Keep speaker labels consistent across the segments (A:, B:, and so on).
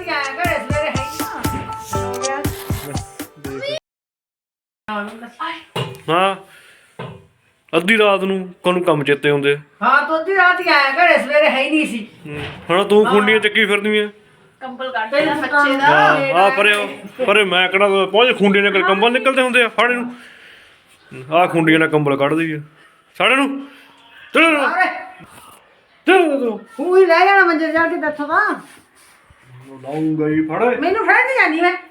A: ਰਾਤੀ ਆਇਆ ਘਰੇ ਸਵੇਰੇ ਹੈ
B: ਹਾਂ ਅੱਧੀ ਰਾਤ ਨੂੰ ਕੋਨੂੰ ਕੰਮ ਚੇਤੇ ਹੁੰਦੇ
A: ਹਾਂ ਤੂੰ ਅੱਧੀ ਰਾਤ ਹੀ ਆਇਆ ਘਰੇ ਸਵੇਰੇ ਹੈ ਹੀ ਨਹੀਂ ਸੀ
B: ਹੁਣ ਤੂੰ ਖੁੰਡੀਆਂ ਚੱਕੀ ਫਿਰਦੀ ਆ
C: ਕੰਬਲ ਕੱਢ ਲਿਆ ਬੱਚੇ ਦਾ
B: ਆ ਪਰੇ ਮੈਂ ਕਿਹੜਾ ਪਹੁੰਚ ਖੁੰਡੀਆਂ ਨਾਲ ਕੰਬਲ ਨਿਕਲਦੇ ਹੁੰਦੇ ਆ ਫਾੜੇ ਨੂੰ ਆ ਖੁੰਡੀਆਂ ਨਾਲ ਕੰਬਲ ਕੱਢਦੀ ਆ ਸਾੜੇ ਨੂੰ ਚਲੋ ਚਲੋ
A: ਤੂੰ ਹੀ ਲੈ ਜਾਣਾ ਮੰਜੇ ਜਾ ਕੇ ਬੈਠਾ ਤਾਂ
B: ਲਾਉਂਗਾ ਹੀ ਫੜ
A: ਮੈਨੂੰ ਫੜ ਨਹੀਂ ਜਾਣੀ ਮੈਂ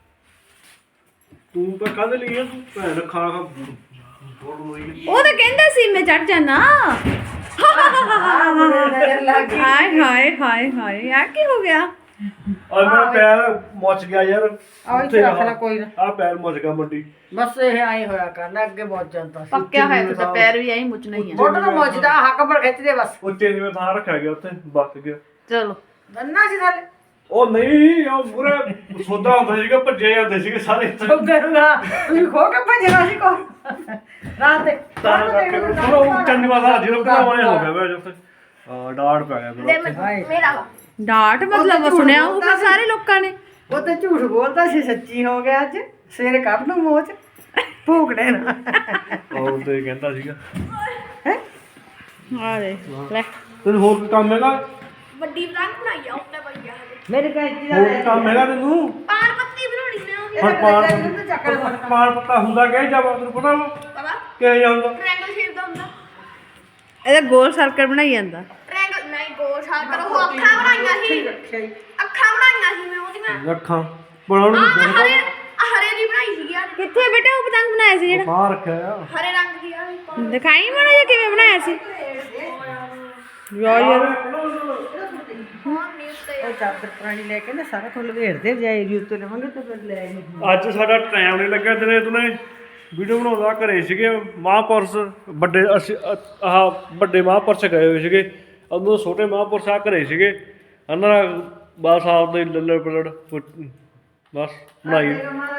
B: ਤੂੰ ਤਾਂ ਕੱਢ ਲਈ ਆ ਤੂੰ ਭੈਣ ਖਾ ਖਾ
C: ਉਹ ਤਾਂ ਕਹਿੰਦਾ ਸੀ ਮੈਂ ਚੜ ਜਾਣਾ
A: ਨਜ਼ਰ ਲੱਗ ਗਈ
C: ਹਾਏ ਹਾਏ ਹਾਏ ਹਾਏ ਯਾਰ ਕੀ ਹੋ ਗਿਆ
B: ਆ ਮੇਰਾ ਪੈਰ ਮੁੱਚ ਗਿਆ ਯਾਰ
A: ਆਹ ਇੱਥੇ ਰੱਖ ਲੈ ਕੋਈ ਨਾ
B: ਆ ਪੈਰ ਮੁੱਚ ਗਿਆ ਮੰਡੀ
A: ਬਸ ਇਹ ਆਏ ਹੋਇਆ ਕਰਨਾ ਅੱਗੇ ਬਹੁਤ ਜਾਂਦਾ ਸੀ
C: ਪੱਕਿਆ ਹੋਇਆ ਤੇ ਪੈਰ ਵੀ ਐਂ ਮੁੱਚਣਾ ਹੀ ਆ
A: ਫੋਟੋ ਨੂੰ ਮੋਜਦਾ ਹੱਕ ਪਰ ਖਿੱਚਦੇ ਬਸ
B: ਉੱਤੇ ਜਿਵੇਂ ਥਾਂ ਰੱਖਿਆ ਗਿਆ ਉੱਥੇ ਬੱਕ ਗਿਆ
C: ਚਲੋ
A: ਦੰਨਾ ਸੀ ਥੱਲੇ
B: ਉਹ ਨਹੀਂ ਉਹ ਪੂਰਾ ਸੌਦਾ ਹੁੰਦਾ ਸੀਗਾ ਭੱਜੇ ਜਾਂਦੇ ਸੀਗੇ ਸਾਰੇ
A: ਕਰੂਗਾ ਤੁਸੀਂ ਖੋ ਕੇ ਭਜਣਾ ਸੀ ਕੋ ਰਾਤ ਦੇ
B: ਤਾਂ ਕਰਕੇ ਪੂਰਾ ਉਹ ਚੰਨਵਾ ਦਾ ਜਿਹੜਾ ਭਰਾਵਾਂ ਹੋ ਗਿਆ ਵੇ ਉੱਥੇ ਡਾੜ ਪੈ ਗਿਆ ਫਿਰ ਉੱਥੇ
C: ਮੇਰਾ ਡਾਟ ਮਤਲਬ ਸੁਣਿਆ ਉਹ ਸਾਰੇ ਲੋਕਾਂ ਨੇ
A: ਉਹ ਤੇ ਝੂਠ ਬੋਲਦਾ ਸੀ ਸੱਚੀ ਹੋ ਗਿਆ ਅੱਜ ਸਵੇਰੇ ਕੱਢ ਨੂੰ ਮੋਚ ਭੂਕੜੇ ਨਾ
B: ਉਹ ਤੇ ਕਹਿੰਦਾ ਸੀਗਾ
C: ਆ ਦੇ ਲੈ
B: ਤੈਨੂੰ ਹੋਰ ਕੋਈ ਕੰਮ ਹੈਗਾ
C: ਵੱਡੀ ਪਤੰਗ ਬਣਾਈ ਆ ਉਹਨੇ ਭਈਆ
A: ਮੇਰੇ ਕੈਂਚੀ ਦਾ
B: ਹੋਰ ਕੋਈ ਕੰਮ ਹੈਗਾ ਤੈਨੂੰ
C: ਪਾਨ ਪੱਤੀ ਬਣਾਉਣੀ ਨੇ
B: ਹੁਣ ਪਾਣ ਪੱਤਾ ਹੁੰਦਾ ਕਿ ਜਾਂ ਤੈਨੂੰ ਪਤਾ ਵਾ
C: ਪਤਾ
B: ਕਿਹੋ ਜਿਹਾ ਹੁੰਦਾ
C: ਟ੍ਰਾਇੰਗਲ ਸ਼ੇਪ ਦਾ ਹੁੰਦਾ ਇਹਦਾ ਗੋਲ ਸਰਕਲ ਬਣਾਈ ਜਾਂਦਾ ਟ੍ਰਾਇੰਗਲ ਨਹੀਂ ਗੋਲ ਸਰਕਲ ਉਹ ਅੱਖਾਂ ਬਣਾਈਆਂ ਸੀ ਅੱਖਾਂ ਬਣਾਈਆਂ ਸੀ ਮੈਂ ਉਹਦੀਆਂ
B: ਅੱਖਾਂ ਬਣਾਉਣ ਨੂੰ
C: ਹਰੇ ਹਰੇ ਦੀ ਬਣਾਈ ਸੀ ਯਾਰ ਕਿੱਥੇ ਬੇਟਾ ਉਹ ਪਤੰਗ ਬਣਾਇਆ ਸੀ ਜਿਹੜਾ
B: ਬਾਹਰ ਰੱਖਿਆ ਆ
C: ਹਰੇ ਰੰਗ ਦੀ ਆ ਦਿਖਾਈ ਮਾੜਾ ਜਿਹਾ ਕਿਵੇਂ ਬਣਾਇਆ ਸੀ ਯਾਰ
A: ਉਹ ਚਾਦਰ ਪੁਰਾਣੀ ਲੈ ਕੇ ਨਾ ਸਾਰਾ ਕੁਝ ਲਵੇੜਦੇ ਜਾਏਗੀ ਉੱਤੇ ਲਵਾਂਗੇ ਤੇ ਫਿਰ ਲੈ ਆਏਗੀ
B: ਅੱਜ ਸਾਡਾ ਟਾਈਮ ਨਹੀਂ ਲੱਗਿਆ ਦਿਨੇ ਤੁਨੇ ਵੀਡੀਓ ਬਣਾਉਂਦਾ ਘਰੇ ਸੀਗੇ ਮਹਾਂਪੁਰਸ਼ ਵੱਡੇ ਅਸੀਂ ਆਹ ਵੱਡੇ ਮਹਾਂਪੁਰਸ਼ ਗਏ ਹੋਏ ਸੀਗੇ ਉਦੋਂ ਛੋਟੇ ਮਹਾਂਪੁਰਸ਼ ਆ ਘਰੇ ਸੀਗੇ ਉਹਨਾਂ ਬਸ ਆਪਦੇ ਲੱਲੜ ਪਲੜ ਬਸ ਬਣਾਈ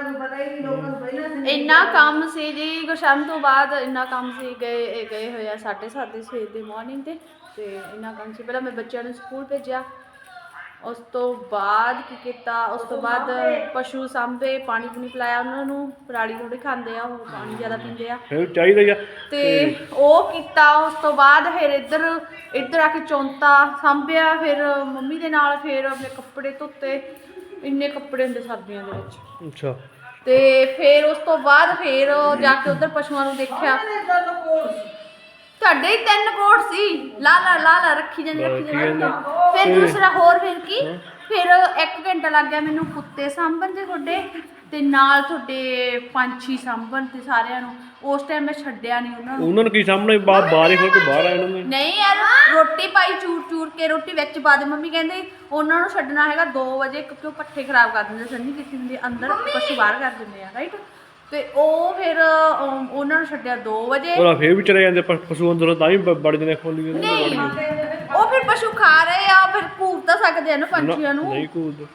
C: ਇੰਨਾ ਕੰਮ ਸੀ ਜੀ ਗੁਰਸ਼ਾਮ ਤੋਂ ਬਾਅਦ ਇੰਨਾ ਕੰਮ ਸੀ ਗਏ ਹੋਏ ਆ 7:30 ਸਵੇਰ ਦੇ ਮਾਰਨਿੰਗ ਤੇ ਇੰਨਾ ਕੰਮ ਸੀ ਪਹਿਲਾਂ ਮੈਂ ਬੱਚਿਆਂ ਨੂੰ ਸਕੂਲ ਭੇਜਿਆ ਉਸ ਤੋਂ ਬਾਅਦ ਕੀ ਕੀਤਾ ਉਸ ਤੋਂ ਬਾਅਦ ਪਸ਼ੂ ਸਾਂਭੇ ਪਾਣੀ ਪੂਣੀ ਪਿਲਾਇਆ ਉਹਨਾਂ ਨੂੰ ਪਰਾਲੀ ਥੋੜੀ ਖਾਂਦੇ ਆ ਉਹ ਪਾਣੀ ਜ਼ਿਆਦਾ ਪੀਂਦੇ ਆ
B: ਫਿਰ ਚਾਹੀਦਾ ਹੀ ਆ
C: ਤੇ ਉਹ ਕੀਤਾ ਉਸ ਤੋਂ ਬਾਅਦ ਫਿਰ ਇੱਧਰ ਆ ਕੇ ਚੌਂਤਾ ਸਾਂਭਿਆ ਫਿਰ ਮੰਮੀ ਦੇ ਨਾਲ ਫਿਰ ਆਪਣੇ ਕੱਪੜੇ ਧੋਤੇ ਇੰਨੇ ਕੱਪੜੇ ਹੁੰਦੇ ਸਰਦੀਆਂ ਦੇ ਵਿੱਚ
B: ਅੱਛਾ
C: ਤੇ ਫਿਰ ਉਸ ਤੋਂ ਬਾਅਦ ਫਿਰ ਜਾ ਕੇ ਉਧਰ ਪਸ਼ੂਆਂ ਨੂੰ ਦੇਖਿਆ ਤੁਹਾਡੇ ਹੀ 3 ਕੋਟ ਸੀ ਲਾ ਰੱਖੀ ਜਾਂਦੀ ਫਿਰ ਦੂਸਰਾ ਹੋਰ ਫਿਰ ਕੀ ਫਿਰ 1 ਘੰਟਾ ਲੱਗ ਗਿਆ ਮੈਨੂੰ ਕੁੱਤੇ ਸਾਂਭਣ ਦੇ ਤੁਹਾਡੇ ਤੇ ਨਾਲ ਤੁਹਾਡੇ ਪੰਛੀ ਸਾਂਭਣ ਤੇ ਸਾਰਿਆਂ ਨੂੰ ਉਸ ਟਾਈਮ ਮੈਂ ਛੱਡਿਆ ਨਹੀਂ ਉਹਨਾਂ
B: ਨੂੰ ਕੀ ਸਾਹਮਣੇ ਬਾਹਰ ਹੀ ਖੋਲ ਕੇ ਬਾਹਰ ਆਏ ਉਹਨਾਂ ਨੇ
C: ਨਹੀਂ ਯਾਰ ਰੋਟੀ ਪਾਈ ਚੂਰ ਕੇ ਰੋਟੀ ਵਿੱਚ ਪਾ ਦੇ ਮੰਮੀ ਕਹਿੰਦੇ ਉਹਨਾਂ ਨੂੰ ਛੱਡਣਾ ਹੈਗਾ 2 ਵਜੇ ਕਿਉਂਕਿ ਉਹ ਪੱਠੇ ਖਰਾਬ ਕਰ ਦਿੰਦੇ ਸੰਨੀ ਕੀਤੀ ਹੁੰਦੀ ਅੰਦਰ ਪਸ਼ੂ ਬਾਹਰ ਕਰ ਦਿੰਦੇ ਆ ਰਾਈਟ ਤੇ ਉਹ ਫਿਰ ਉਹਨਾਂ ਨੂੰ ਛੱਡਿਆ 2 ਵਜੇ
B: ਉਹ ਫੇਰ ਵੀ ਚਲੇ ਜਾਂਦੇ ਪਸ਼ੂ ਅੰਦਰੋਂ ਤਾਂ ਹੀ ਬੜ ਜਾਂਦੇ ਖੋਲੀ
C: ਨਹੀਂ ਉਹ ਫਿਰ ਪਸ਼ੂ ਖਾ ਰਹੇ ਆ ਫਿਰ ਘੂਰ ਤਾਂ ਸਕਦੇ ਆ ਨਾ ਪੰਛੀਆਂ ਨੂੰ
B: ਨਹੀਂ ਕੂਦ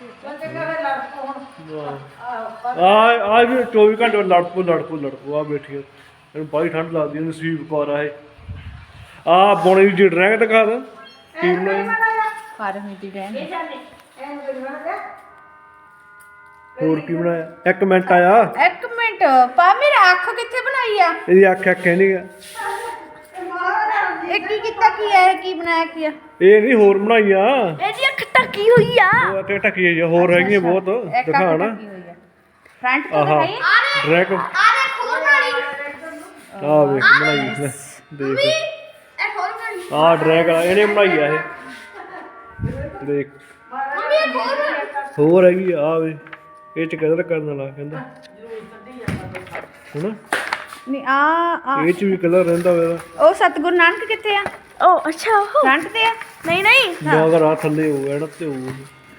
B: ਆ ਵੀ 24 ਘੰਟੇ ਲੜਪੂ ਆ ਬੈਠੀ ਇਹਨੂੰ ਬੜੀ ਠੰਡ ਲੱਗਦੀ ਇਹਨੂੰ ਸਵੀਪ ਕਰ ਆ ਬੋਣੇ ਦੀ ਡਰੈਗ ਦਿਖਾ ਦੇ ਕੀ ਬਣਾਇਆ
C: ਫਾਰ ਹੋਈ ਦੀ ਡੈਮ
B: ਹੋਰ ਕੀ ਬਣਾਇਆ 1 ਮਿੰਟ ਆਇਆ
C: 1 ਮਿੰਟ ਪਾ ਮੇਰੀ ਅੱਖ ਕਿੱਥੇ ਬਣਾਈ ਆ
B: ਇਹਦੀ ਅੱਖ ਹੈ ਨਹੀਂ ਗਾ
C: ਇਹ ਕੀ ਕੀਤਾ ਕੀ ਹੈ ਕੀ ਬਣਾਇਆ ਕੀ ਆ
B: ਇਹ ਨਹੀਂ ਹੋਰ ਬਣਾਈ ਆ
C: ਇਹਦੀ ਅੱਖ ਟੱਕੀ ਹੋਈ ਆ
B: ਉਹ ਅੱਖ ਟੱਕੀ ਹੈ ਹੋਰ ਹੈਗੀਆਂ ਬਹੁਤ ਦਿਖਾ ਨਾ
C: ਫਰੰਟ ਤੋਂ ਦਿਖਾਈ
B: ਡਰੈਗ
C: ਆ ਦੇਖ ਹੋਰ ਬਣਾਈ
B: ਆ ਵੇਖ ਬਣਾਈ ਲੈ ਦੇਖ
C: ਇਹ ਹੋਰ ਬਣਾਈ
B: ਆ ਡਰੈਗ ਇਹਨੇ ਬਣਾਈ ਆ ਇਹ ਦੇਖ
C: ਮੰਮੀ ਇਹ
B: ਹੋਰ ਹੈਗੀ ਆ ਵੇ ਇਹ ਚ ਕਲਰ ਕਰਨ ਵਾਲਾ ਕਹਿੰਦਾ ਹੁਣ
C: ਨਹੀਂ ਆ
B: ਇਹ ਚ ਵੀ ਕਲਰ ਰਹਿੰਦਾ ਵੇ
C: ਉਹ ਸਤਗੁਰੂ ਨਾਨਕ ਕਿੱਥੇ ਆ ਉਹ ਅੱਛਾ ਉਹ ਫਰੰਟ ਤੇ ਆ ਨਹੀਂ
B: ਮਗਰ ਆ ਥੱਲੇ ਹੋ ਗਿਆ ਨਾ ਤੇ ਹੋ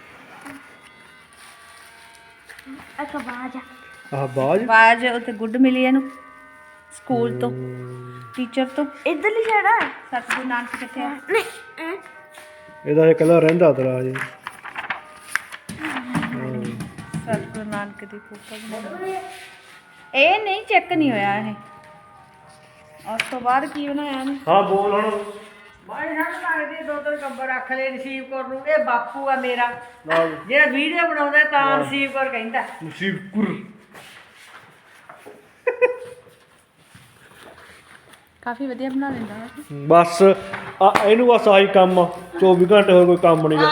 C: ਅੱਛਾ ਬਾਜ
B: ਆਹ ਬਾਜ
C: ਉੱਤੇ ਗੁੱਡ ਮਿਲੀ ਇਹਨੂੰ ਸਕੂਲ ਤੋਂ ਟੀਚਰ ਤੋਂ ਇਧਰਲੀ ਸਾਈਡ ਆ ਸਤਗੁਰੂ ਨਾਨਕ ਕਿੱਥੇ ਆ ਨਹੀਂ
B: ਇਹਦਾ ਇਹ ਕਲਰ ਰਹਿੰਦਾ ਤੇਰਾ ਜੀ
C: ਸਤਗੁਰੂ ਨਾਨਕ ਦੀ ਫੋਟੋ ਬਣਾ ਇਹ ਨਹੀਂ ਚੈੱਕ ਨਹੀਂ ਹੋਇਆ ਇਹ ਉਸ ਤੋਂ ਬਾਅਦ ਕੀ ਬਣਾਇਆ ਇਹਨੇ
B: ਹਾਂ ਬੋਲ ਹੁਣ
A: ਬਾਈ ਸਾਨੂੰ ਲੱਗਦੀ ਦੋ ਤਿੰਨ ਕੰਬਰ ਰੱਖ ਲੈ ਰਿਸੀਵ ਕਰ ਨੂੰ। ਇਹ ਬਾਪੂ ਆ ਮੇਰਾ
B: ਨਾਲ
A: ਜਿਹੜਾ ਵੀਡੀਓ ਬਣਾਉਂਦਾ ਤਾਂ ਰਿਸੀਵ ਕਰ ਕਹਿੰਦਾ।
B: ਨਸੀਬ ਕੁਰ
C: ਕਾਫੀ ਵਧੀਆ ਬਣਾ ਲੈਂਦਾ ਹੈ।
B: ਬਸ ਇਹਨੂੰ ਬਸ ਆਹੀ ਕੰਮ ਆ, 24 ਘੰਟੇ ਹੋਰ ਕੋਈ ਕੰਮ ਨਹੀਂ ਗਾ।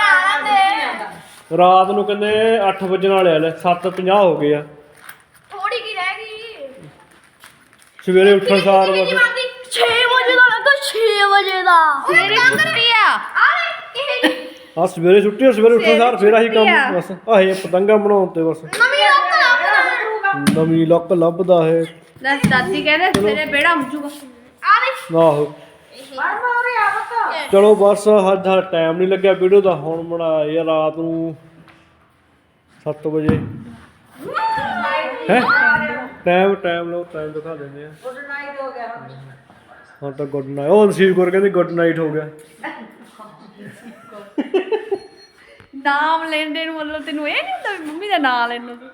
B: ਰਾਤ ਨੂੰ ਕਹਿੰਦੇ 8 ਵਜੇ ਨਾਲ ਆ ਲੈ 7:50 ਹੋ ਗਏ ਆ।
C: ਥੋੜੀ ਕੀ ਰਹਿ ਗਈ।
B: ਸਵੇਰੇ ਉੱਠਣ ਸਾਰ ਬਸ
C: 6 ਵਜੇ ਦਾ ਲੱਗਾ 6 ਵਜੇ ਦਾ ਸਵੇਰੇ ਛੁੱਟੀ ਆ
B: ਆ ਸਵੇਰੇ ਛੁੱਟੀ ਆ, ਸਵੇਰੇ ਉੱਠਣ ਸਾਰ ਫੇਰ ਆਹੀ ਕੰਮ ਬਸ ਆਹੇ ਪਤੰਗਾ ਬਣਾਉਣ ਤੇ ਬਸ ਨਵੀਂ ਲੱਕ ਲੱਭਦਾ ਹੈ।
C: ਲੈ ਦਾਦੀ ਕਹਿੰਦੇ ਤੇਰੇ ਬੇੜਾ ਮੁੱਜੂਗਾ
B: ਆਹੋ ਚਲੋ ਬਸ ਸਾਡਾ ਟਾਈਮ ਨਹੀਂ ਲੱਗਿਆ ਵੀਡੀਓ ਦਾ। ਹੁਣ ਬਣਾਇਆ ਰਾਤ ਨੂੰ 7 ਵਜੇ ਹੈ ਟਾਈਮ ਲਓ, ਟਾਈਮ ਦਿਖਾ ਦਿੰਦੇ ਆ।
A: ਗੁੱਡ ਨਾਈਟ ਹੋ ਗਿਆ
B: ਹੁਣ ਤਾਂ ਗੁੱਡ ਨਾਈਟ ਉਹ ਨਸੀਬ ਕਰ ਕਹਿੰਦੀ ਗੁੱਡ ਨਾਈਟ ਹੋ ਗਿਆ।
C: ਨਾਮ ਲੈਂਦੇ ਨੂੰ ਮਤਲਬ ਤੈਨੂੰ ਇਹ ਨਹੀਂ ਹੁੰਦਾ ਵੀ ਮੰਮੀ ਦਾ ਨਾਮ ਲੈਣ ਨੂੰ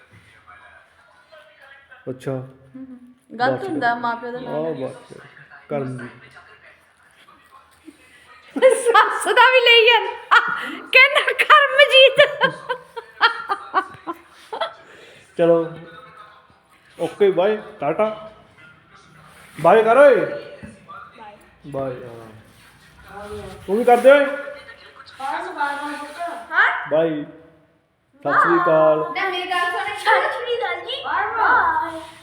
B: ਅੱਛਾ
C: ਗਲਤ ਹੁੰਦਾ ਮਾਪਿਓ ਦਾ ਨਾਮ
B: ਆਹ ਬਸ ਕਰਨ ਦੀ
C: ਸੱਸ ਦਾ ਵੀ ਲਈ ਜਾਂਦਾ ਕਹਿੰਦਾ ਕਰਮਜੀਤ।
B: ਚਲੋ ਓਕੇ ਬਾਏ ਟਾਟਾ ਬਾਏ ਕਰ ਓਏ ਬਾਏ। ਤੂੰ ਵੀ ਕਰ ਦੇ ਓਏ ਬਾਏ ਸਤਿ ਸ੍ਰੀ ਅਕਾਲ।
C: ਮੇਰੀ ਗੱਲ ਸੁਣ ਛੱਡ ਛੁੜੀ ਗੱਲ ਜੀ ਬਾਏ।